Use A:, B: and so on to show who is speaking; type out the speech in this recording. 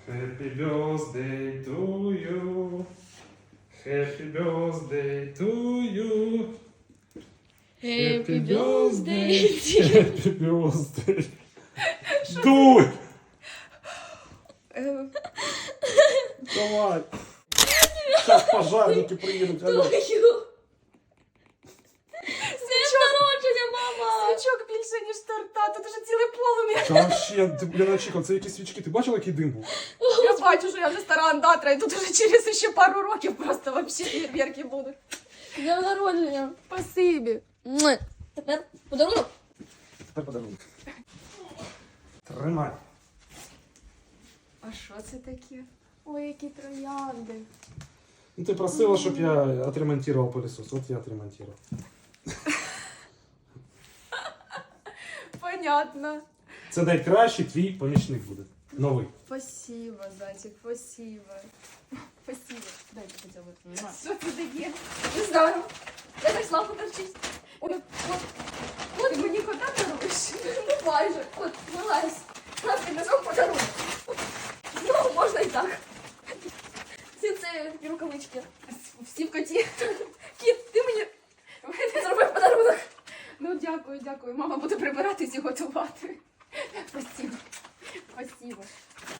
A: Happy birthday to you. Happy birthday to you.
B: Happy birthday.
A: Happy birthday. Дуй! Давай. Сейчас пожарники приедут. Алло.
B: Свічок народження, мама!
C: Свічок більше, ніж торта, тут уже ціле полум'я.
A: Та вообще, ти, блін, очікав, це якісь свічки. Ти бачила, який дим був?
C: Я бачу, що я вже стара андатра, і тут уже через ще пару років просто вообще фейерверки будуть.
B: Днем народження.
C: Спасибі.
B: Тепер подарунок.
A: Тепер подарунок. Тримай.
C: А що це таке? Ой, які троянди.
A: Ну, ти просила, щоб я отремонтував пилісос. От я отремонтував.
C: Понятно.
A: Це найкращий твій помічник буде. Новий.
C: Спасибо, зайчик, спасибо. Спасибо. Дайте поцілувати. Що це таке?
B: Не знаю. Я так слабо торчить.
C: Ой, от мені кота даруєш.
B: Ну майже. От, вилазь. Нас піднесемо подарунок. Ну, можна і так. Всі це рукавички.
C: Всі в коті.
B: Кіт, ти мені зробив подарунок.
C: Ну, дякую, дякую. Мама буде прибиратись і готувати.